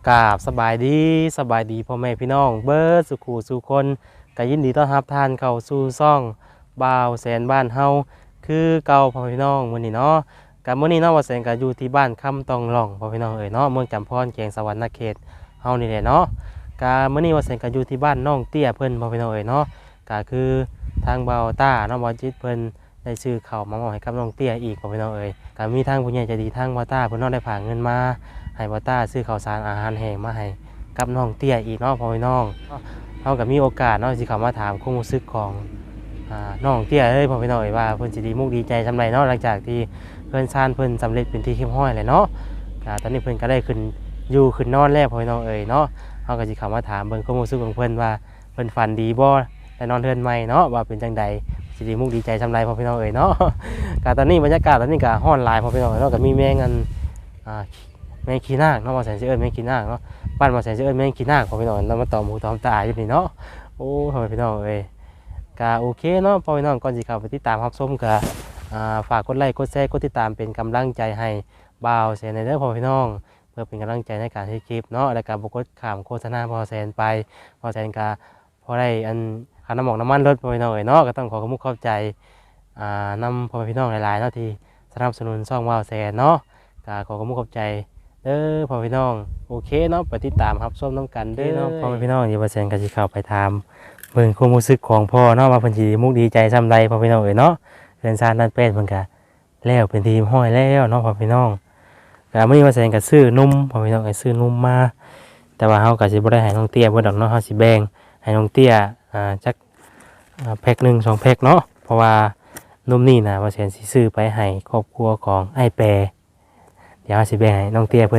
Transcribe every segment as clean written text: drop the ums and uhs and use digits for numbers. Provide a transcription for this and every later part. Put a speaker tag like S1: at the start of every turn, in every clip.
S1: กราบสบายดีพ่อแม่พี่น้องเบิร์ดสุขูสู่คนก็ยินดีต้อนรับท่านเข้าสู่ซ่องบ่าวแสนบ้านเฮาคือเก่าพ่อพี่น้องมื้อนี้เนาะกับมื้อนี้เนาะบ่าวแสนก็อยู่ที่บ้านคำตองหล่องพ่อพี่น้องเอ้ยเนาะเมืองจำพรแขวงสะหวรรณเขตเฮานี่แหละเนาะก็มื้อนี้บ่าวแสนก็อยู่ที่บ้านน้องเตี้ยเพิ่นพ่อพี่น้องเอ้ยเนาะก็คือทางบ่าวต้าเนาะบ่าวจิตเพิ่นได้ซื้อข้าวมามอบให้กับน้องเตี้ยอีกพ่อพี่น้องเอ้ยก็มีทางผู้ใหญ่ใจดีทางบ่าวต้าเพิ่นเนาะได้ฝากเงินมาให้บ่าวต้าซื้อข้าวสารอาหารแห้งมาให้กับน้องเตี้ยอีกเนาะพ่อพี่น้องเฮาก็มีโอกาสเนาะสิเข้ามาถามความรู้สึกของน้องเตี้ยพ่อพี่น้องเอ้ยว่าเพิ่นสิดีมุกดีใจซำใดเนาะหลังจากที่เพิ่นซ่านเพิ่นสำเร็จเป็นที่เรียบร้อยแล้วเนาะตอนนี้เพิ่นก็ได้ขึ้นนอนแล้วพ่อพี่น้องเอ้ยเนาะเฮาก็สิเข้ามาถามเบิ่งความรู้สึกของเพิ่นว่าเพิ่นฝันดีบ่ได้นอนเรือนใหม่เนาะว่าเป็นจังใดสิดีมุกดีใจซำใดพ่อพี่น้องเอ้ยเนาะก็ตอนนี้บรรยากาศตอนนี้ก็ร้อนหลายพ่อพี่น้องเนาะก็มีแมงแมงขี้นาคเนาะบ่แสนสิเอิ้นแมงขี้นาคเนาะบ้านบ่แสนสิเอิ้นแมงขี้นาคพ่อพี่น้องนำมาตอมหูตอมตาอยู่นี่เนาะโอ้พ่อพี่น้องเอ้ยก็โอเคเนาะพ่อพี่น้องก่อนสิเข้าไปติดตามรับชมก็ฝากกดไลค์กดแชร์กดติดตามเป็นกำลังใจให้บ่าวแสนเด้อพ่อพี่น้องเพื่อเป็นกำลังใจในการที่คลิปเนาะและการบ่กดข้ามโฆษณาบ่าวแสนไปบ่าวแสนก็พอได้ค่าน้ำมันรถพ่อพี่น้องเอ้ยเนาะก็ต้องขอขอบใจนำพ่อพี่น้องหลายๆเนาะที่สนับสนุนช่องบ่าวแสนเนาะก็ขอขอบใจเด้อพ่อพี่น้องโอเคเนาะไปติดตามรับชมน้ำกันเด้อเนาะพ่อพี่น้องอย่าบ่าวแสนก็สิเข้าไปถามเบิ่งความรู้สึกของพ่อเนาะว่าเพิ่นสิมุกดีใจซำใดพ่อพี่น้องเอ้ยเนาะเรือนซานนั่นเป็นเพิ่นก็แล้วเป็นทีมห้อยแล้วเนาะพ่อพี่น้องก็มื้อนี้บ่าวแสนก็ซื้อนมพ่อพี่น้องก็ซื้อนมมาแต่ว่าเฮาก็สิบ่ได้ให้น้องเตี้ยเบิดดอกเนาะเฮาสิแบ่งให้น้องเตี้ยจักแพ็ค1 2แพ็คเนาะเพราะว่านมนี่น่ะบ่าวแสนสิซื้อไปให้ครอบครัวของไอ้แปรเดี๋ยวเฮาสิแบ่งให้น้องเตี้ยเพิ่น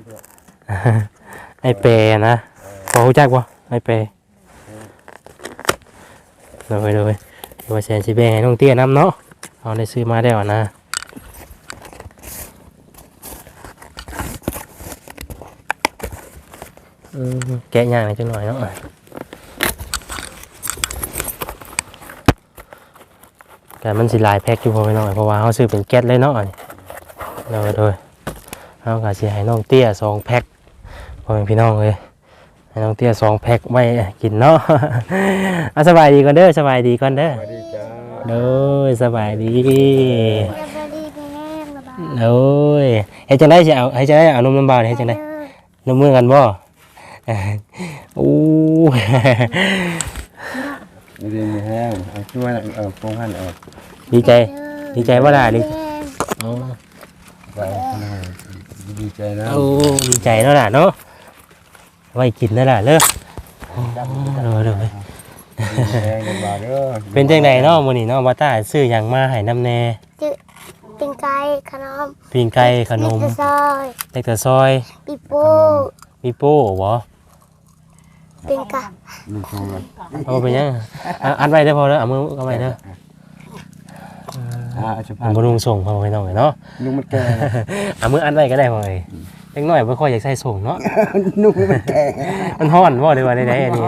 S1: ไอ้แปรนะพอรู้จักบ่ไอ้แปรเลยว่าแสนสิแบ่งให้น้องเตี้ยน้ำเนาะเอาได้ซื้อมาได้วนะแกะย่างหน่อยจังหน่อยเนาะแต่มันสิลายแพ็คอยู่พอไปหน่อยเพราะว่าเขาซื้อเป็นแก๊สเลยเนาะเลยเขาก็สิให้น้องเตี้ย2แพ็คพอเป็นพี่น้องเลยให้น้องเตี้ย2แพ็คไว้กินเนาะสบายดีก่อนเด้อสบายดีก่อนเด้อสบายดีจ้าเด้อสบายดีเด้อเฮ็ดจังได๋สิเอาให้จังได๋เอานมน้ำบ่าวเฮ็ดจังได๋นมมือกันบ่อู้
S2: ดีแห้งช่วยโปรงหัน
S1: ดีใจบ่ล่ะดิอ๋อ
S2: ดีใจนะ
S1: โอ้ดีใจเนาะล่ะเนาะไว้กินนั่นล่ะเด้อเป็นจังได๋เนาะมื้อนี้เนาะบ่ตาซื้อหยังมาให้นำแน่
S3: ปิ้งไก่ขนม
S1: เล็กแต่ซอย
S3: ปีโป้
S1: บ่
S3: ปิ้งไก่
S1: เอาไปยังอัดไว้ได้พอแล้วเอามือเอาไว้เด้อบ่ลุงส่งพอไปน้องเนาะ
S2: ลุงมันแก่
S1: เอามืออัดไว้ก็ได้พอเล็กน้อยบ่ค่อยอยากใส่ส่งเนาะ
S2: ลุงมันแก่
S1: มันร้อนบ่ได้ว่าได้อันนี้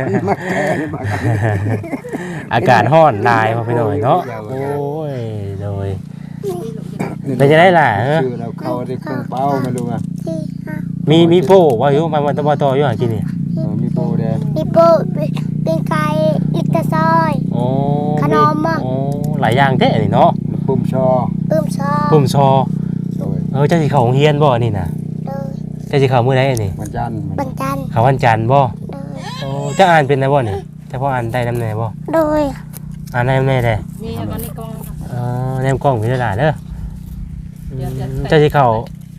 S1: อากาศร้อนหลายพอไปหน่อยเนาะโอ้ยเลยเป็นจังได๋ล่ะ
S2: ชื่อเราเข้าได้เครื่องเป้ามาดูอ่ะ
S1: มีโป้ว่าอยู่มันบ่ต่ออยู่หากินนี่
S2: มีโป้แดง
S3: มีโป้ปิ้งไก่ลิกตะซอยขนม
S1: โอ้หลายอย่างแท้นี่เนาะ
S2: ปุ่มชอ
S1: เจ้าสิเข้าโรงเรียนบ่นี่น่ะเจ้าสิเข้ามื้อใดนี่
S2: วันจันทร์
S1: เข้าวันจันทร์บ่โอ้เจ้าอ่านเป็นได้บ่นี่เจ้าพออ่านได้นำแน่บ่
S3: โดย
S1: อ่านได้นำแน่เด้นี่เอาในกล่องแนมกล้องพี่ล่ะเด้อเจ้าสิเข้า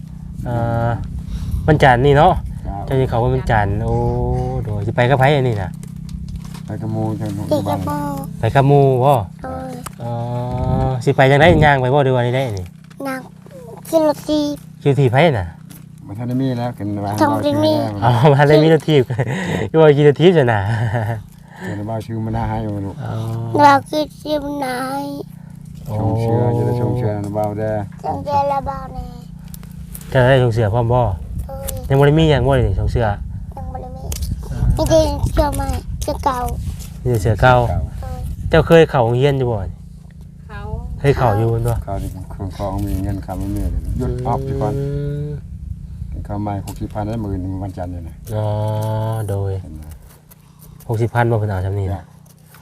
S1: วันจันทร์นี่เนาะเจ้าสิเข้าวันจันทร์โอ้โดยสิไปกับไผอันนี้น่ะ
S2: ไปกับหมู่
S1: ไปกับหมู่บ่สิไปจังได๋ย่างไปบ่หรือว่าได้นี่
S3: ย่างขึ้นรถ
S1: ทีไผน่ะ
S2: บ่ทันได้มีแล้วกันว่า
S3: บ่ได้มี
S1: บ่ได้มีรถทีอยู่ว่าขี่รถทีซั่นน่ะ
S2: เดี๋ยวบ่าวชื่อมันน่าให้บ่ลูก
S3: เราคือชื่อมันนาย
S2: ชงเชื่อจะได้ชงเชื่อนะบ่าวเด้อ
S3: ชงเชื่อละบ่าวแน่
S1: จะได้ชงเชื่อพร้อมบ่ยังบ่ได้มีหยังบ่ได้ชงเชื่อ
S3: ยังบ่ได้มีได้เชื่อใหม่เชื่อเก่า
S1: นี่เชื่อเก่าเจ้าเคยเข้าโรงเรียนอยู่บ่เคยเข้าอยู่บ่
S2: เข้าที่เครื่องของมีเงินคำมีหยุดออฟก่อนเขเข้ามา60,000ได้มื้อนึงวันจันทร์นี่นะ
S1: อ๋อโดย60,000บ่เพิ่นเอาซำนี้นะ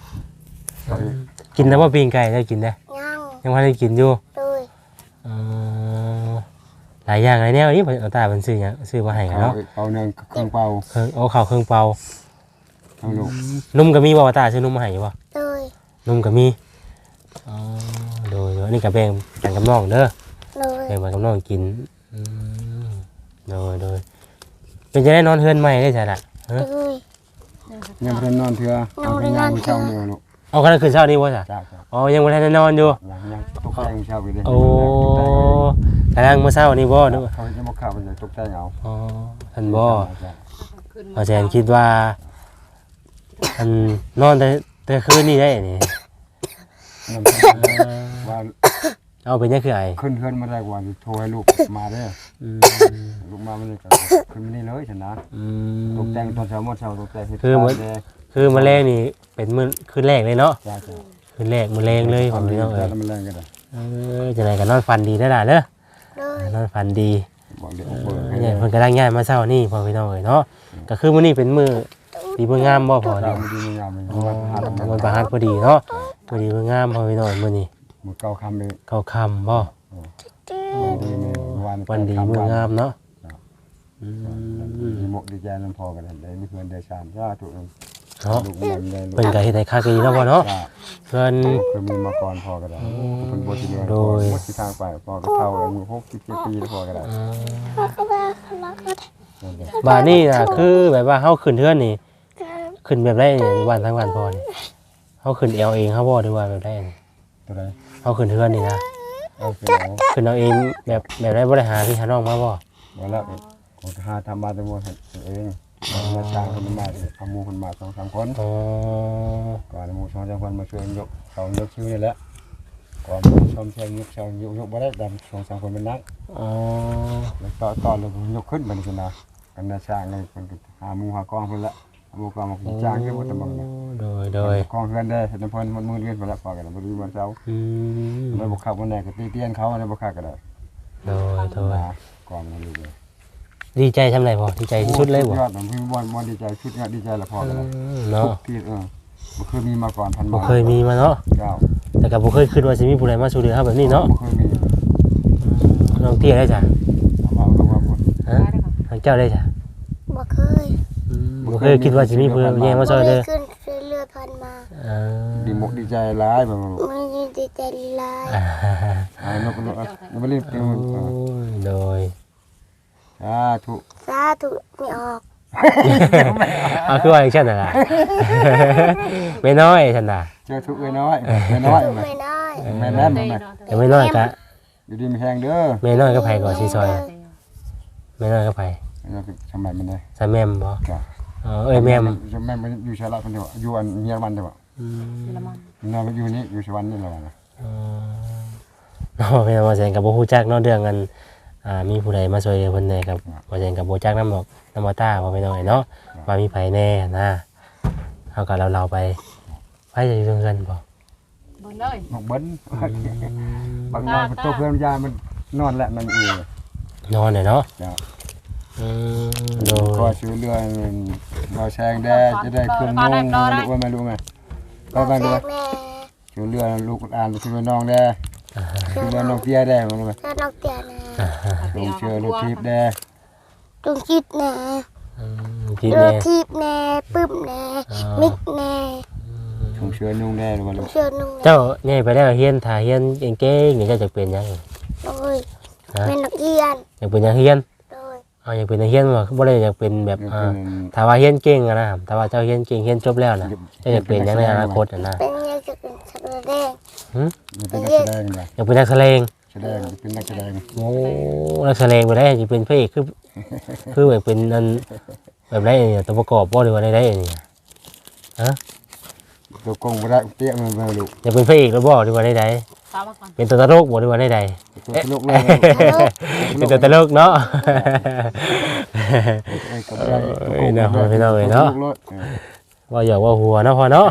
S1: กินแล้วบ่ปิ้งไก่ได้กินได้ ยังบ่ได้กินอยู่
S3: โดย
S1: อ๋อหลายอย่างหลายแนวนี่เพิ่นเอาตาเพิ่นซื้อหยังซื้อมาให้กันเนาะ
S2: เอาเนืองเครื่องเป่า
S1: เอาข้าวเครื่องเป่า
S2: เอาลูก
S1: นุ่มก็มีบ่ว่าตาซื้อนมมาให้อยู่บ่
S3: โดย
S1: นุ่มก็มีอ๋อโดยอันนี้ก็แบ่งกันกับน้องเด้อ
S3: โดย
S1: แบ่งกันกับน้องกินโดยเป็นจะได้นอนเฮือนใหม่ได้จ้ะล่ะฮะ
S3: โดย
S2: ยังบ่ทันนอนเทื่อเอาไปงานมื้อเช้านี่ลูก
S1: เอากันคืนเช้านี้บ่จ้ะ
S2: จ้า
S1: อ๋อยังบ่ทันได้นอนอยู่
S2: ยังตกแต่งมื้อเช้าไปเด้
S1: โอ้กำลังมื้อเช้านี้บ่นึกว่า
S2: เขาจะบ่เข้าไปตกแต่งเอา
S1: อ๋อท่านบ่อาจารย์คิดว่าอันนอนแต่คืนนี้ได้นี่
S2: ว่า
S1: เอาเป็นยังคือไอ้
S2: ขึ้นเฮือนมาได้กว่าโทรให้ลูกมาเด้อ ลูกมาไม่ได้ก็ขึ้นมานี่เลยฉันนะตกแต่งตอนเช้าหมดเช้าตกแต่งให้
S1: คือมื้อแรกนี่เป็นมื้อคืนแรกเลยเนาะ
S2: จ้า
S1: คืนแรกมื้อแรงเลยผมพี่น้องเอ้ย
S2: มันแรงกันเลย
S1: จังได๋ก็นอนฝันดีได้อล่ะเด้อ
S3: โดย
S1: นอนฝันดี
S2: บอกเดี๋ยวเปิดให้
S1: เนี่ยเพิ่นกำลังย้ายมาเช้านี่พ่อพี่น้องเอ้ยเนาะก็คือมื้อนี้เป็นมื้อดีมื้องามบ่พ่อ
S2: เรา
S1: นี่
S2: ไม่ดีไม่งามเลย
S1: อ๋อมันประหัสพอดีเนาะมื้อดีมื้องามพ่อพี่น้องมื้อนี้
S2: มือเก่าคำเลย
S1: เข้าค่ำบ่
S2: ดีในวัน
S1: วันดีมื้องามเนาะ
S2: ดีหมกดีใจน้ำพอกันได้มีเพื่อนได้ชานจ้าถูก
S1: เนาะ
S2: ลูกมันได้ลูก
S1: เพิ่นก็เฮ็ดให้คักดีเนาะพ่อเนาะเพิ่น
S2: เคยมีมาก่อนพอกันได้เป็นบทที่เรียนพอหมดที่ทางไปพอก็เท่าอายุ67 ปีแล้วพอกันได้
S1: บ้านนี่น่ะคือแบบว่าเฮาขึ้นเทือนนี่ขึ้นแบบไรนี่วันทั้งวันพอนี่เฮาขึ้นเอวเองเฮาบ่หรือว่าแบบไรนี่
S2: ตัวใด
S1: เฮาขึ้นเทือนนี่นะ
S2: เอาเสร็จ
S1: ขึ้นเอาเองแบบไรบ่ได้หาพี่หาน้องมาบ่
S2: แล้วแล้วของทหารทำมาแต่หมดเองมาจ้างคนมาทำมูคนมา2-3 คน
S1: อ๋อ
S2: ก่อนมู2-3 คนมาช่วยยกเขายกชื่อนี่แหละก่อนชมเชียงยกเชียงยกบ่ได้ดำ2-3 คนเป็นนัก
S1: อ๋อ
S2: แล้วตอนเรายกขึ้นมันชนะกันนาช่างเลยคนหามูหากองเพิ่นละมูกองมาจ้างขึ้นบ่ตะบัง
S1: โดย
S2: กองเพิ่นได้เพิ่นมันมือเรียนไปแล้วพอกันบ่ดีวันเช้าแล้วบ่ขับวันไหนก็ตีเตียนเขาอะไรบ่ขับก็ได้
S1: โดย
S2: กองมันเลย
S1: ดีใจทำไรบ่ดีใจที่สุดเลยบ่
S2: ยอดผมพี่บ่ดีใจชุดเนี้ยดีใจละพอกัน
S1: เนาะ
S2: ที่บ่เคยมีมาก่อนพัน
S1: บ่เคยมีมาเนาะ
S2: เจ้า
S1: แต่ก็บ่เคยคิดว่าสิมีผู้ใดมาช่วยเหลือเฮาแบบนี้เนาะ
S2: บ่เคยมี
S1: น้องเตี้ยได้จ้ะ
S2: เอาลงมาบ่
S1: ฮะทางเจ้าได้จ้ะ
S3: บ่เคย
S1: บ่เคยคิดว่าสิมีผู้ใดแย่งมาช่วยเด้อ
S3: ขึ้นเรือพันมา
S2: ดีมกดีใจหลายบ่
S3: มันยินดีใจลาย
S2: นกบ่รีบ
S1: โอ้ยโดย
S2: ถูก
S3: สาธุไม่ออก
S1: เอาคือว่าอย่างเช่นน่ะล่ะ ไม่น้อยฉันน่ะ
S2: เจอถูกเอ้ยน้อยแม่น้อย
S3: ไม่น้อย
S2: แม่แน่นแม่
S1: แต่ไม่น้อยก็
S2: อยู่ดีมีแฮงเด้อ
S1: ไม่น้อยก็ไผก่อนสิซอยไม่น้อยก็ไผ
S2: เราทำไมมันได้
S1: ซะแม่มบ่
S2: จ้ะ
S1: เอ้ยแม่ม
S2: แม่มันอยู่ชาละคนเดียวอยู่อันเมียมันเดียวเราอยู่นี่อยู่ชวันนี่เรานะ
S1: เนาะพี่น้องว่าแสงก็บ่ฮู้จักเนาะเรื่องกันมีผู้ใดมาช่วยเหลือเพิ่นแหน่ครับว่าแสงก็บ่จักนำดอกนำมาตาบ่พี่น้องเนาะว่ามีไผแน่นะเฮาก็เราไปไผจะอยู่กันบ่
S4: บนเลย
S2: บอกเบิ้ลบางวันตัวเพื่อนยามันนอนแหละมันเอง
S1: นอนเนาะ
S2: จ้ะ
S1: โด
S2: ก็
S1: ย
S2: ซื้อเรือเราแซงได้จะได้เครื่องนุ่งรู้ว่าไม่รู้ไหมก็
S3: แม่
S2: บางเรือ
S3: แม่
S2: ซื้อเรือลูกอ่านซื้อน้องได้ซื้อเรือน้องเตี้ยได้รู้ไหม
S3: เจ้านกเตียนะ
S2: ลงเชื่อรถทิพย์ได้
S3: ลุงคิดแน่
S1: พี่
S3: ร
S1: แม่
S3: ถทิพย์แน่ปึ้มแน่มิกแน่
S2: ลงเชื่อนุ่งได้รู้ไหมลูก
S3: เชื่อนุ่ง
S1: เจ้าใหญ่ไปแล้วเฮียนถ้าเฮียนเก่งๆนี่เจ้าจะเป็นหยัง
S3: โดยแม่นักเรียน
S1: อยากเป็นหยังเฮียน
S3: โดย
S1: อยากเป็นหยังเฮียนบ่ได้อยากเป็นแบบถ้าว่าเฮียนเก่งอะนะถ้าว่าเจ้าเฮียนเก่งเฮียนจบแล้วนะเจ้าอยากเป็นหยังในอนาคตอะนะ
S3: เป็นยังจะเป็นสัตว์แดง
S2: เป็นนักแสดงได้
S1: อยากเป็นนักแสดง
S2: แสดงเป็นนักแสดง
S1: โอ้นักแสดงไปได้จะเป็นพระเอกคือแบบเป็นนั่นแบบไรเนี่ยตัวประกอบบ่หรือว่าได้เนี่ยฮะ
S2: ตัวกงไม่ได้เตี้ยมันไม่รู้
S1: อยากเป็นพระเอกแล้วบ่หรือว่าได้
S4: ตามมาก่อน
S1: เป็นตัวตลกบ่หรือว่าได้
S2: ตัวลูกเลย
S1: เป็นตัวตลกเนาะ ว่าอยากว่าหัวเนาะพอเนาะ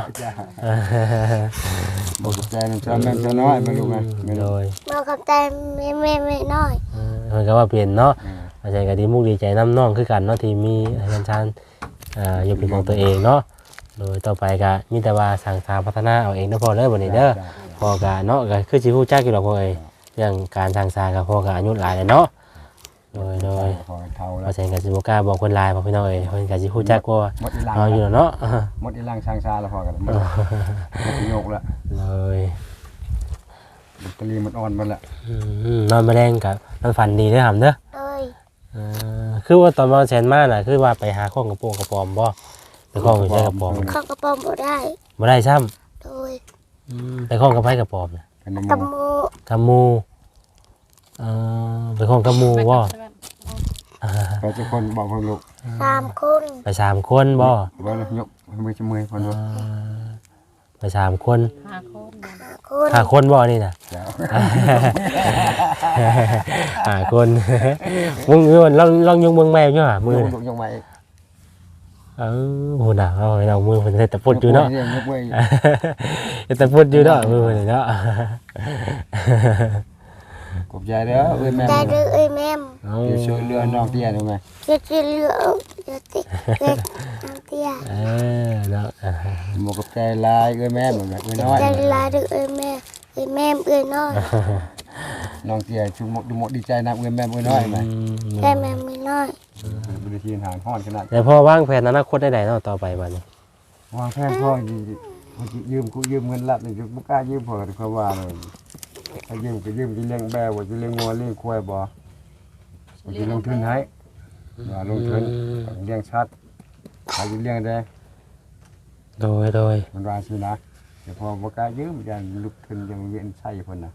S2: บอกใจมันจะมันจะน้อยไม่รู้ไงไม่
S1: โด
S2: รู้
S1: ย
S3: ๆเราขับใจไม่น้อย
S1: มันก็ว่าเปลี่ยนเนาะอาจารย์ก็ดีมุกดีใจน้ำน้องคือกันเนาะที่มีอาจารย์ชานอยู่เป็นของตัวเองเนาะโดยต่อไปก็มีแต่ว่าสั่งสร้างพัฒนาเอาเองเนาะพอเด้อบัดนี้เด้อพอก็เนาะก็คือสิฮู้จักอยู่ดอกพ่อเอ้ยเรื่องการสั่งสร้างก็พอก็อายุหลายแล้วเนาะโดย
S2: พอเท่าแล้
S1: อา
S2: ว
S1: จารย์ก็สิบ่กล้าบอกคนหลายบอกพี่น้องเอ้ยเพิ่นก็สิฮู้จักว่า
S2: หมดอีหลัง
S1: เอาอยู่เนาะ
S2: หมดอีหลังช่างชาแล้วพอกันหมดอีโยกแล้ว
S1: เลย
S2: แบตเตอรี่มันอ่อนหมดแล้ว
S1: นอนมาแดงกับนอนฝันดีเด้อหำเด้อ
S3: โดย
S1: คือว่าตอนมาแซนมาน่ะคือว่าไปหาข้องกระโปรงกระปอมบ่ไปข้องอยู่ใช้กระปอม
S3: เข้ากระป๋อมบ่ได้
S1: บ่ได้ซ้
S3: โดย
S1: ำไปข้องกระไผกระปอมน่ะ
S2: เป็นน้ำ
S3: กระ
S2: มัน
S3: มู
S1: กำมูไปข้องกำมูบ่
S2: ไปทุกคนบอกเพิ่นลูก
S3: 3 คน
S1: ไป3คนบ่
S2: ว่าแล้วยกมือจะมือเพิ่นว่า
S1: ไป3คน
S4: 5 คน
S3: 5 คน
S1: 5คนบ่นี่น่ะ
S2: เดี๋ยว
S1: 5คนมึงลองยกเบิ่งแม่อยู่ห่ามือน่ะ
S2: ยกมาอีก
S1: โหน่ะเอามือเพิ่นแต่ปุดอยู่เนาะ
S2: ยกมือ
S1: แต่พูดอยู่เนาะมือเลยเนาะ
S2: กบใจเด้อเอ้ยแม่
S3: ได้ดื้อเอ้ยแม่ม
S2: เดี๋ยวช่วยเรือน้องเตี้ยได้ไหม
S3: เจ็ดเหลือเดี๋ยวติเล็กน้ำเตี้ย
S1: เนาะ
S2: หมกกับใจลายเอ้ยแม่เหมือนแบบเอ้ยน้อย
S3: ได้ลาดื้อเอ้ยแม่เอ้ยแม่เอ้ยน้อย
S2: น้องเตี้ยชุมดูหมดดีใจนะเอ้ยแม่เอ้ยน้อยไหม
S3: ได้แม่ไม่น้อย
S2: บริทีหางห้อนขนาด
S1: แต่พอวางแผนอนาคตได้ไหนเนาะต่อไปบัดนี้
S2: วางแผนพ่อยืมกูยืมเงินละนี่กูกล้ายืมพ่อเขาว่าเลยถ้ายืมก็ยืมจะเลี้ยงแบวจะเลี้ยงงัวเลี้ยงควายบ่จะลงทุนให้ลงทุนเลี้ยงชัดใครจะเลี้ยงได้
S1: โดย
S2: มันว่าสินะแต่พอบ่กล้ายืมยันลุกทุนยังเวียนใส่เพิ่นน่ะ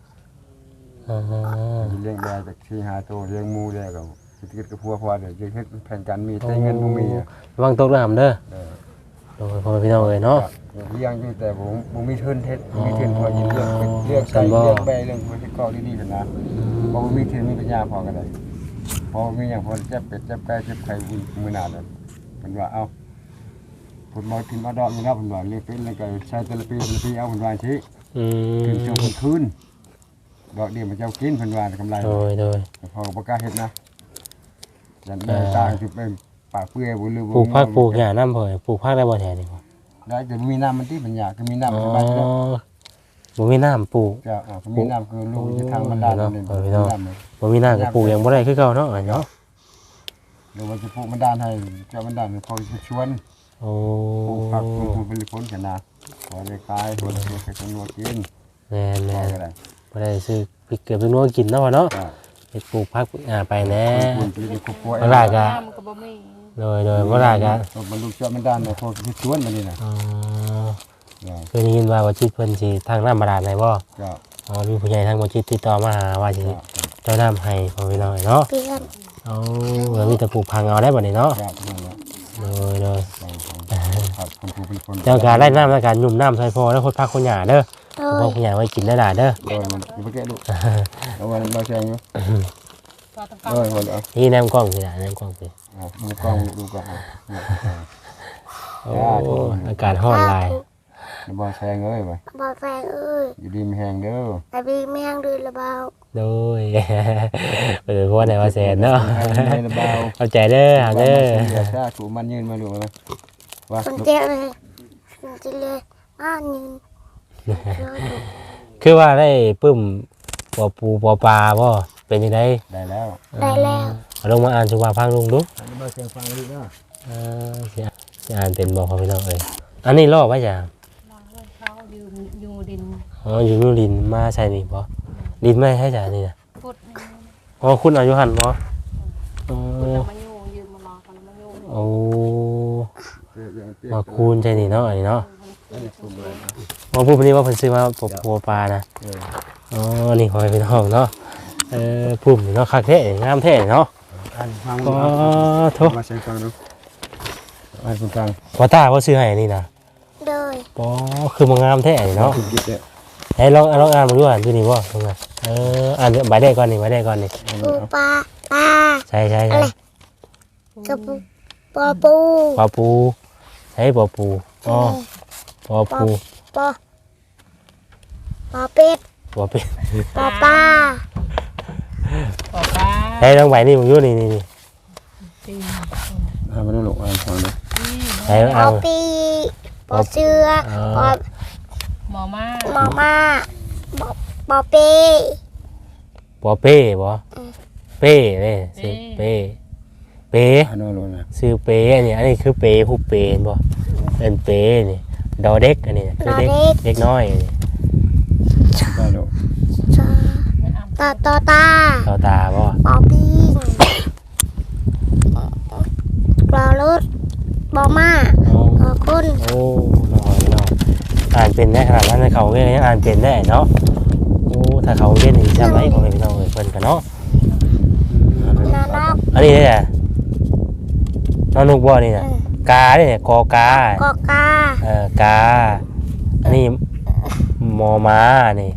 S2: จะเลี้ยงได้จาก4-5ตัวเลี้ยงหมูได้ก็สิคิดกับพัวพอเดี๋ยวจะเฮ็ดแผนการมีแต่เงินบ่มี
S1: วางตกเรื่องหำเด้อโดยพ่อพี่น้องเอ้ยเนาะ
S2: เลี้ยงอยู่แต่บ่มีทุนเฮ็ดมีทุนพอยินเลี้ยงใส่เลี้ยงแบเลี้ยงคนที่เกาะดีๆซั่นนะบ่มีทุนมีปัญญาพอกันได้พอมีหยังพอเจ็บเป็ดเจ็บไก่เจ็บไข่มื้อหน้าแล้วเพิ่นว่าเอ้าเพิ่นบ่กินบ่ดอกอยู่นะเพิ่นว่าเลี้ยงเป็ดเลี้ยงไก่ใช้แต่ละปีเอาเพิ่นว่าสิกินช่วงคืนดอกเดียวมันเจ้ากินเพิ่นว่ากำไร
S1: โดย
S2: พอบ่กล้าเฮ็ดนะยันได้ตางสิเป็นปากเปื่อยบ่หรือ
S1: ปลูกผักปลูกหญ้าน้ำเผยปลูกผักได้บ่แท้นี่พ่อ
S2: ได้จะมีน้ำมันที่ปัญญาก็มีน้ำสบายแล้ว
S1: บ่มีน้ำปลูก
S2: จะมีน้ำคือลูกจะทางบรรดาเลย
S1: บ่มีน้ำก็ปลูกยังบ่ได้คือเก่าเนาะเนาะ
S2: หรือว่าจะปลูกบรรดาให้เจ้าบรรดาเขาจะชวน
S1: โอ้
S2: ปลูกผักปลูกเป็นผลกันนะพอได้ขายผลไปจำนวนกิน
S1: แม่น
S2: ก็ได้
S1: บ่ได้ซื้อพริกเกลือพริกนัวกินเนาะพ่อเนาะเฮ็ดปลูกผักปลูกหญ้าไปแน่
S2: คุณปีนี้ครอบครัว
S1: บ่ได้ก็
S4: น้ำก็บ่มี
S1: โดยบ่ได้ก็
S2: บรรลุเจ้าบรรดาเนี่ยเขาจะชวนมานี่นะ
S1: เคยได้ยินว่าจิตเพิ่นสิทางน้ำบาดาลให้บ่
S2: ก็
S1: มีผู้ใหญ่ทางบ่จิตติดต่อมาหาว่าสิเจ้าน้ำให้พ่อพี่น้องเนาะ
S3: เพื่อน
S1: แล้วมีแต่ปลูกพังเอาได้บัดนี้เนาะ
S2: ก็นั่นแหละ
S1: โดย
S2: ครับคนผู้เป็นคน
S1: เจ้าการได้น้ำในการยุ่มน้ำใส่พอแล้วคนพักคนหญ้าเด้อ
S3: โด
S1: พอย คนหญ้าไว้กินได้ล่ะเด้อ
S2: โดยมันไม่แก่ลูกแล้ววันเราแจ้งอยู่
S4: ก็ต้องการ
S2: โดยวันเอา
S1: นี่แนมกล้องสิล่ะแนมกล้องสิ
S2: มือกล้องดูก่อน
S1: โอ้อากาศร้อนหลาย
S2: บอแซงเอ้ยไป
S3: บอแฟงเอ้ย
S2: อยู่ดีมีแหงเด้อ
S3: แต่บีแมงดื้อระเบา
S1: โดยเพราะว่าไหนว่าแสนเนาะ
S2: ระเบา
S1: เข้าใจเด้อหาเด้อ
S2: ถ้าถูมันยืนมาดูมั้ยว่า
S3: คนเจ็บเลยคนเจ็บเลยยืน
S1: คือว่าได้ปึ้มปอปูปอปลาบ่เป็นยังไง
S2: ได้แล้ว
S3: ได้แล้ว
S1: เอาลงมาอ่านสุภาพพังลุงดู
S2: บอแซงฟังดีเนาะ
S1: สิอ่านเป็นบอกเขาพี่น้องเอ้ยอันนี้ลอกไว้จ้ะ
S4: เขาอยู่ดิน
S1: อ๋ออยู่นู่นดินมาใช่นี่บ่ดินไม่ให้จ้ะนี่นะ
S4: พุด
S1: อ๋อคุณอายุหันบ่อ๋อ
S4: พุดมาอยู่ยืมมารอกันมาอยู่
S1: โอ้มาคูณใช่นี่เนาะอันนี้เนาะมาพูดวันนี้ว่าเพิ่นซื้อมาปบปัวปลานะอ๋อนี่ขอให้พี่น้องเนาะพุ่มนี่เนาะคักแท้งามแท้เนาะ
S2: ฟัง
S1: ก็โทษ
S2: มาแซงฟังดูอ่านฟัง
S1: ว่าตาว่าซื้อให้นี่นะ
S3: โดย
S1: อ๋อคือมันงามแท้นี่เนาะ
S2: คิดเนี่ย
S1: ให้ลองอ่านมาดูอ่านดูนี่บ่ตรงนั้นอ่านใบได้ก่อนนี่ใบได้ก่อนนี่
S3: ปูปลาปลา
S1: ใช่
S3: กระปูปอปู
S1: ปอปูใช่ปอปูอ๋อปอปู
S3: ปอปอเป็ด
S1: ปอเป็ด
S3: ปอปลา
S4: ปอปลา
S1: ให้น้องใบนี่มึงอยู่นี่
S4: ปี
S2: มันต้องหลงฟังเลย
S1: ให้
S3: ป
S1: เอา
S3: อปีปอเสือปอ
S4: หมอมา
S3: หมอมาปอเป
S1: ปอเป้บ่เป้เลยสิเป้เป้
S2: มันต้องหลงนะ
S1: ชื่อเป้อันนี้คือเป้ผู้เป้บ่เป็นเป้นี่ดอเด็กอันนี้คือเด็กเด็กน้อยนี่
S2: ได้หลง
S3: ตาตาตา
S1: ต่อตาบ่
S3: ปอปีปลารถปอมา
S1: โอ้
S3: ปอคุณ
S1: โอ้น้องอ่านเป็นได้ขนาดนั้นเขาเรียนยังอ่านเป็นได้เนาะโอ้ถ้าเขาเรียนนี่จำไว้ของพี่น้องเอ้ยเพิ่นกันเนาะ
S3: นานอก
S1: อันนี้เนี่ยน้องนุกบ่นี่น่ะกาเนี่ยกอกาก
S3: อกา
S1: กาอันนี้มอม้านี่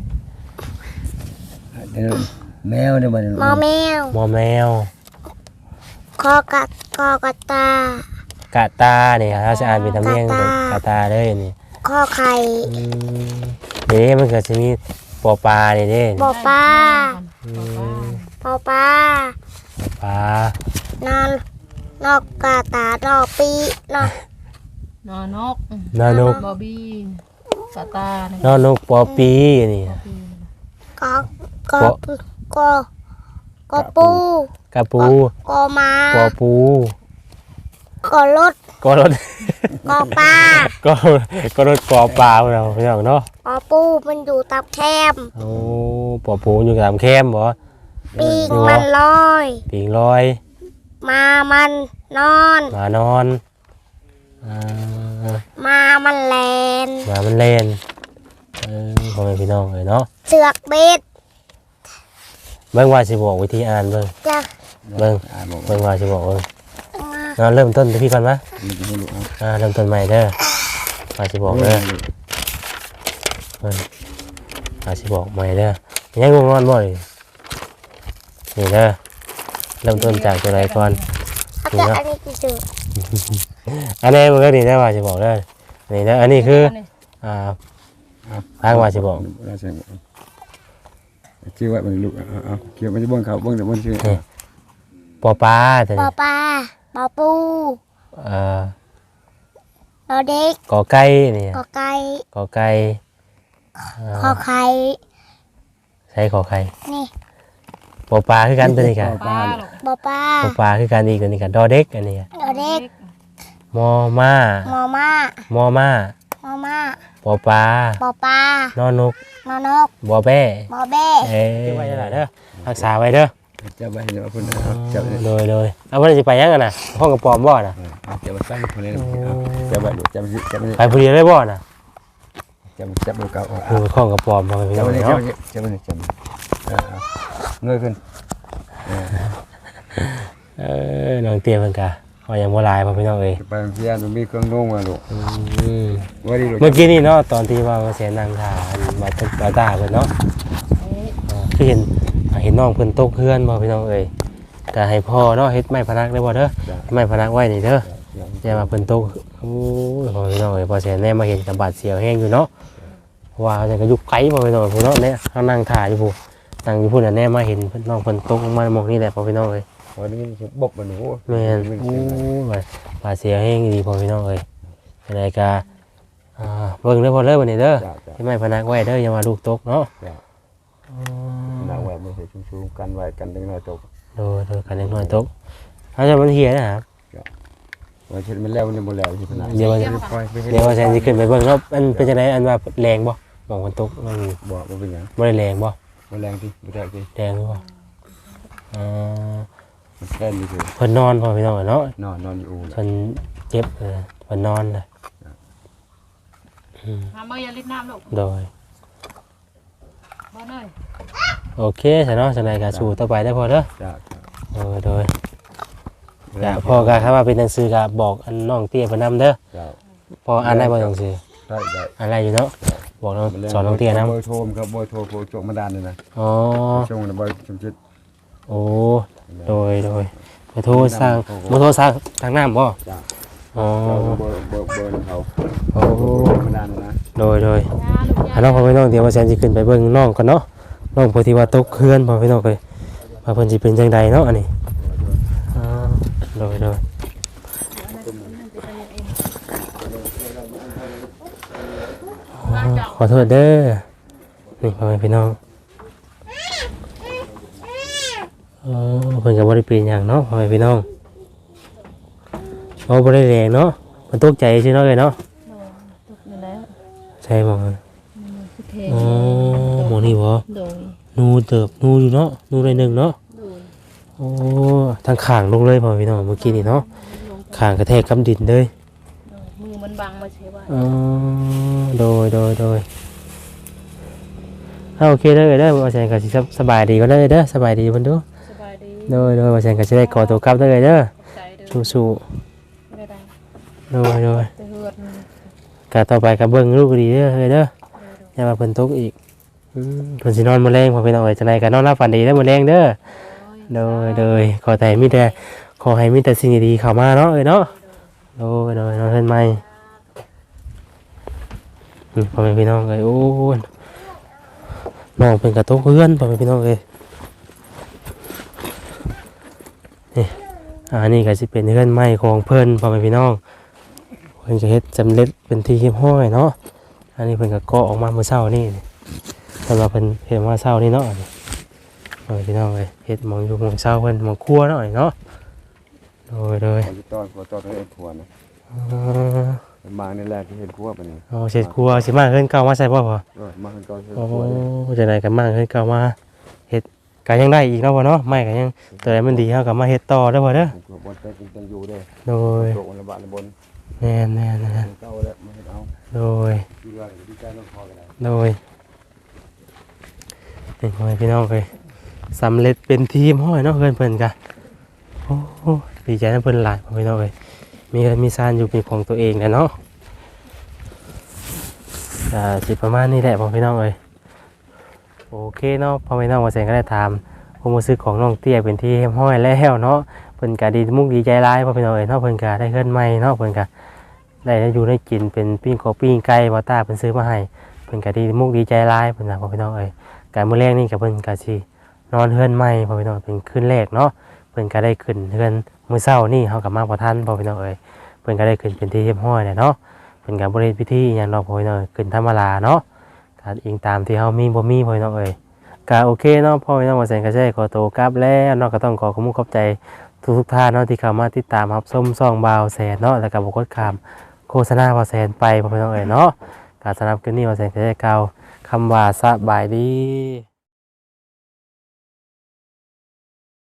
S2: แมวเนี่ยมัน
S3: มอแมว
S1: มอแมว
S3: คอกระตาก
S1: ะตาเนี่ยเราจะอ่านเป็นตำเนียงกะตาเลยนี่
S3: คอไข่
S1: เดี๋ยวมันก็จะมีปอปลาเนี่ยเด้
S3: ปอปลา
S1: อืม
S3: ปอปลา
S1: ปลาน
S3: อนนอกกาตานอกปีนอก
S4: นอนก
S1: นอนก
S4: บอบบี้สตาร์
S1: นอนกปอปีนี่
S3: กอกอกอปู
S1: กะปู
S3: กอมา
S1: ปอปู
S3: กอรถ
S1: ก็รถ
S3: กอปลา
S1: ก็รถปอปลาเราพี่น้องเนาะ
S3: ปอปูมันอยู่ตับแคม
S1: โอ้ปอปูอยู่ตามแคมบ่
S3: ปีกมันลอย
S1: ปิงลอย
S3: มามันนอน
S1: หมานอนอ่า
S3: มามันแลน
S1: หมามันเล่นพ่อแม่พี่น้องเลยเนาะ
S3: เสือกเบ็ด
S1: เบิ่งว่าสิบอกวิธีอ่านเบิ่ง
S3: จะ
S1: เบิ่ง
S2: บอก
S1: เบิ่งว่าสิบอกเบิ่งเริ่มต้นที่พี่ก่อนมะ
S2: มันให้หลง
S1: เริ่มต้นใหม่เด้อว่าสิบอกเด้อว่าสิบอกใหม่เด้อยังงงนอนบ่นี่นี่เด้อเริ่มต้นจากตัวใดก่อน
S3: เขาจะอันนี้กี่จุด
S1: อันนี้มันก็นี่ได้ว่าสิบอกเด้อนี่เด้ออันนี้คือทางว่าสิบอก
S2: เราใช่ชื่อว่ามันลูกเอาเกี่ยวมันจะบ้งเขาบ้งแต่บ้งชื่อ
S1: ปอปลาแต่
S3: ปอปลาปอปู
S1: เอ่อ
S3: ปอเด็ก
S1: กอไก่นี่
S3: กอไก่
S1: กอไก่
S3: คอไข่
S1: ใช้ขอไข่
S3: นี่
S1: ปอปลาคือกันตัวนี้กัน
S4: ป้า
S3: ปอปลา
S1: ปอปลาคือกันอีกตัวนี้กันดอเด็กอันนี้
S3: ปอเด็ก
S1: มอม้าม
S3: อมาม
S1: อม้าม
S3: อมา
S1: ปอปลา
S3: ปอปลาน
S1: อนก
S3: นอนก
S1: บอแบ้
S3: บอเบ้
S1: ไว้เด้อรักษาไว้เด้อ
S2: จะไปเดี๋ยวคุณจะไป
S1: โดยเอาวันนี้ไปยังกันนะห้องกระป๋อมบ่น่ะ
S2: จะไปตั้งคนนี้จะไปจะไป
S1: ไปผู้เดียวได้บ่น่ะ
S2: จะไปเก่า
S1: ดูห้องกระป๋อมมาพี่
S2: จะ
S1: น้อง
S2: ไป
S1: เนาะ
S2: จะไปจะเงยขึ้น
S1: น้องเตี้ยเพิ่นกะว่ายังบ่หลายพ่อพี่น้องเอ้ย
S2: ไปพี่ยานมันมีเครื่องนุ่งมาลูกว่าดีลูก
S1: เมื่อกี้นี่เนาะตอนที่ว่าเสียนางทามาตึกบาตาเพิ่นเนาะคือเห็นน้องเพิ่นตกเฮือนบ่พี่น้องเอ้ยก็ให้พ่อเนาะเฮ็ดไม้พนักได้บ่เด้อไม้พนักไว้นี่เด้ออย่ามาเพิ่นตกโอ้ยพ่อพี่น้องเอ้ยพอเสียแน่มาเห็นกับบาดเสียวแห้งอยู่เนาะว่าจังก็อยู่ไกลบ่พี่น้องพุ่นเนาะเนี่ยเฮานั่งถ่ายอยู่พุ่นนั่งอยู่พุ่นน่ะแน่มาเห็นน้องเพิ่นตกลงมามองนี่แหละพ่อพี่น้องเอ้ย
S2: วันนี้บกมันหนู
S1: แม่นโอ้ยบาดเสียวแห้งดีพ่อพี่น้องเอ้ยอะไรก็เบิ่งเด้อพ่อเด้อบัดนี้เด้อที่ไม้พนักไว้เด้ออย่ามาลูกตกเนาะ
S2: นางแหวนไม่ใช่ชุ่มๆกันไว้กันดึงหน่อยตก
S1: โดยกันเล็กน้อยตกเขาจะมันเหียนะครับ
S2: ว่าเช่นมันแล้วมันหมดแล้วที่ขนาด
S1: เดี๋ยวว่าแซนสิขึ้นไปเบิ่งเนาะมันเป็นจังไดอันว่าแรงบ่มองมันตกมัน
S2: บอกว่าเป็นยัง
S1: บ่ได้แรงบ่
S2: มันแรงที่ไม่ได้ที่
S1: แรงหรือบ่
S2: มันแค่นี้คือ
S1: เพิ่นนอนพ่อพี่น้องเนาะ
S2: นอนอยู่
S1: เพิ่นเจ็บเพิ่นนอนเลย
S4: ทำเมื่อยาลิดน้ำลูก
S1: โดย
S4: บ่หน่อย
S1: โอเคซะเนาะจังไดก็สู้ต่อไปได้อพ่อเด้อ
S2: จ้า
S1: โดยจ้ะพ่อก็ครับว่าเป็นหนังสือก็บอกอันน้องเตี้ยเพิ่นนำเด้อ
S2: จ้า
S1: พออ่านได้บ่หนังสือ
S2: ได้ได้
S1: อ่านได้อยู่เนาะบอกน้องสอนน้องเตี้ยนำ
S2: เบอร์โทรครับเบอร์โทรโปรโจมาดานเลยนะ
S1: อ๋อ
S2: ช่วงนั้นเบอร์ชมจิต
S1: โอ้โดยมาโทรสร้างทางน้ำบ่
S2: จ้า
S1: อ๋อ
S2: เบอร์เขา
S1: โอ้
S2: มาดานนะ
S1: โดย
S4: ยาลูกยา
S1: น้องพ่อพี่น้องเดี๋ยวว่าแซนสิขึ้นไปเบิ่งน้องก่อนเนาะน้องพอที่ว่าตกเฮือนพ่อพี่น้องเลยว่าเพิ่นสิเป็นจังใดเนาะอันนี้อ่าโดยขอโทษเด้อนี่พ่อแม่พี่น้องเพิ่นก็บ่ได้เป็นหยังเนาะพ่อแม่พี่น้องเอาบ่ได้แรงเนาะมันตกใจซื่อเนาะเอ้ยเนาะ
S4: ตกอยู่แล้ว
S1: ใช่บ่
S4: คือเท
S1: อ๋อหมอนี่บ่
S4: โดย
S1: นูเติบนูอยู่เนาะนูได้หนึ่งเนาะ
S4: โดย
S1: โอ้ทางข้างลงเลยพ่อพี่น้องเมื่อกี้นี่เนาะข้างกระแทกกับดินเลย
S4: มือมันบังมาใช่ว่า
S1: อ๋อโดยโอเคเด้อเด้อว่าแซนก็สิสบายดีก็ได้เด้อสบายดีเพิ่นดู
S4: สบายดี
S1: โดยว่าแซนก็สิได้ขอตัวกลับเด้อเด้อ
S4: ใจเด้อ
S1: สู้
S4: ไม่ได้
S1: ๆโดย
S4: แต่เฮือด
S1: ก็ต่อไปก็เบิ่งลูกดีเด้อเด้ออย่าว่าเพิ่นตกอีกเพิ่นสินอนมื้อแลงพ่อพี่น้องเอ้ยจังได๋ก็นอนหลับฝันดีเด้อมื้อแลงเด้อโดยขอให้มีแต่สิ่งดีๆเข้ามาเนาะเอ้ยเนาะโดยนอนเพิ่นใหม่พ่อแม่พี่น้องเอ้ยโอ้น้องเป็นกระตกเพื่อนพ่อแม่พี่น้องเอ้ยนี่อันนี้ก็สิเป็นเพื่อนใหม่ของเพิ่นพ่อแม่พี่น้องเพิ่นก็เฮ็ดสำเร็จเป็นที่เรียบร้อยเนาะอันนี้เพิ่นก็เกาะออกมาเมื่อเช้านี่สำหรับเพิ่นเฮ็ดมาเช้านี่เนาะพ่อแม่พี่น้องเอ้ยเฮ็ดหมองอยู่หมองเช้าเพิ่นหมองครัวเนาะเนาะโดย
S2: ขอตอนเอ็นครัวนะมาในแรกที่เห็นครัวปะนี่
S1: อ๋อเฮ็ดครัวสิมาเพิ่นเก่ามาใส่บ่พ่อ
S2: มาตอนเห็น
S1: โอ้
S2: ครัว
S1: จังไดก็มาเพิ่นเก่ามาเฮ็ดก็ยังได้อีกเนาะพ่อเนาะไม่ก็ยังตัวใดมันดีเฮาก็มาเฮ็ดต่อเด้อพ่อเด้อ
S2: ครัวบนเต็มจังอยู่เด้
S1: โดย
S2: โตวันละบาทละบน
S1: แน่น
S2: เก้าแล้วมาเห็นเอา
S1: โดย
S2: ดีว่าดีใจต้องพอกันได้
S1: โดยเป็นพ่อแม่พี่น้องเลยสำเร็จเป็นทีมห้อยเนาะเพื่อนกันโอ้โหดีใจนะเพื่อนหลายพ่อแม่พี่น้องเลยมีเงินมีซานอยู่เป็นของตัวเองแหละเนาะสิประมาณนี้แหละพ่อแม่พี่น้องเลยโอเคเนาะพ่อแม่พี่น้องมาแสงก็ได้ถามความรู้สึกของน้องเตี้ยเป็นที่ห้อยแล้วเนาะเพื่อนกะดีมุกดีใจร้ายพ่อแม่พี่น้องเลยเนาะเพื่อนกะได้เงินใหม่เนาะเพื่อนกะได้อยู่ได้กินเป็นปิ้งกบปิ้งไก่บอต้าเพิ่นซื้อมาให้เพิ่นก็ดีมุกดีใจร้ายเพิ่นน่ะพ่อพี่น้องเอ้ยการมื้อแรกนี่ก็เพิ่นก็สินอนเฮือนใหม่พ่อพี่น้องเป็นคืนแรกเนาะเพิ่นก็ได้ขึ้นเฮือนมื้อเช้านี่เฮาก็มาบ่ทันพ่อพี่น้องเอ้ยเพิ่นก็ได้ขึ้นเป็นที่เรียบร้อยแล้วเนาะเพิ่นก็บ่ได้พิธีหยังดอกพ่อพี่น้องขึ้นธรรมดาเนาะก็อิงตามที่เฮามีบ่มีพ่อพี่น้องเอ้ยก็โอเคเนาะพ่อพี่น้องว่าแสงก็ใช้ขอตัวกลับแล้วเนาะก็ต้องขอขอบใจทุกท่านเนาะที่เข้ามาติดตามรับชมช่องบ่าวแสนเนาะแล้วก็บ่กดข้ามโฆษณาบ่าวแสนไปพ่อพี่น้องเอ้ยเนาะ การสนับสนุนนี้ว่าแสงจะได้กล่าวคำว่าสบายดี